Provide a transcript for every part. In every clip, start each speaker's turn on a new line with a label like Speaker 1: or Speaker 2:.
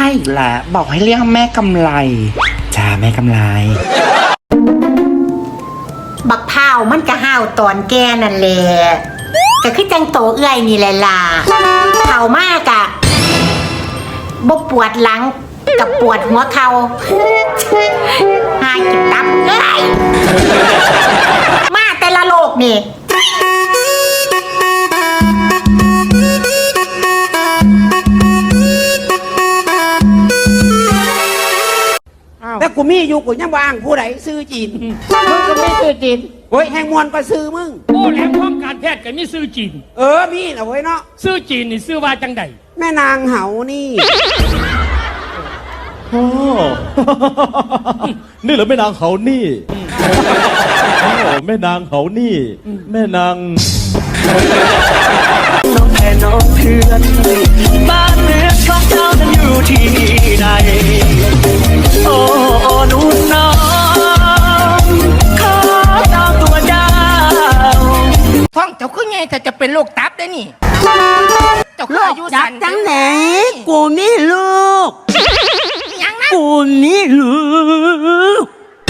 Speaker 1: อีกแล้วบอกให้เรียกแม่กำไรจ้าแม่กำไร
Speaker 2: บักเผามันก็ห้าวตอนแกนั่นแหละก็คือจังโตเอื้อยนี่แหละล่ะเผามากอะบ่ปวดหลังกับปวดหัวเข่าหากินตับเอ้ยมาแต่ละโลกนี่
Speaker 3: แต่กูมีอยู่กูยังว่างผู้ใดซื้อจีนมึงก็ไม่ซื้อจีนโอ้ยแหงมวนก็ซื้อมึง
Speaker 4: โอ้แหลมพร้อมการแพทย์กันมีซื้อจีน
Speaker 3: มีนะเว้ยเนาะ
Speaker 4: ซื้อจีนนี่ซื้อว่าจังใด
Speaker 3: แม่นางเหานี่
Speaker 5: โอ้นี่เหรอแม่นางเขานี่โอ้แม่นางเขานี่แม่นาง
Speaker 6: น้องแม่น้องเพื่อนบ้านเมืองของเจ้านั้นอยู่ที่ใดโอ้หนุ่มน้องขอตามตัวเจ้า
Speaker 4: ท้องเจ้าคือไงแต่จะเป็นโรคตับได้นี่เจ้าคืออายุสั้น
Speaker 7: จังไหนกูมีลูก
Speaker 4: ยังนะ
Speaker 7: กูมีลูก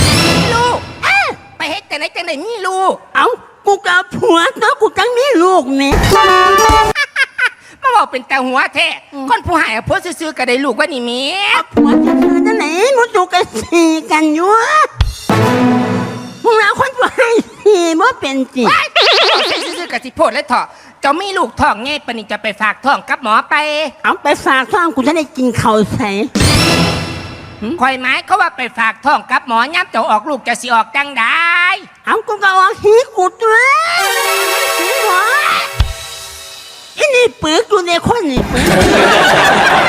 Speaker 4: ไปเฮ็ดแต่ไหนจังไหนมีลูก
Speaker 7: เอ้ากูกับผัวเนาะกูจังมีลูกนี่
Speaker 4: มาบอกเป็นแต่หัวแท้คนผู้หายเพื่อซื้อๆก็ได้ลูกว่านี่มี
Speaker 7: ผัวจะซื้อจังไหนมุจูกันสีกันอยู่มึงเอาคนผู้ให้สีบ่เป็นจี
Speaker 4: ซื้อๆกับสิโพดและเถาะเจ้ามีลูกท้องไงปนิจะไปฝากท้องกับหมอไป
Speaker 7: เอาไปฝากท้องกูจะได้กินข้าวใส่
Speaker 4: คอยไม้เขาว่าไปฝากท้องกับหมอย้ำเจ้าออกลูกจะสิออกจังได้
Speaker 7: เอากูก็ออกหีกูตัวหีหัวอีนี่ปึกอยู่ในคนนี่ปึก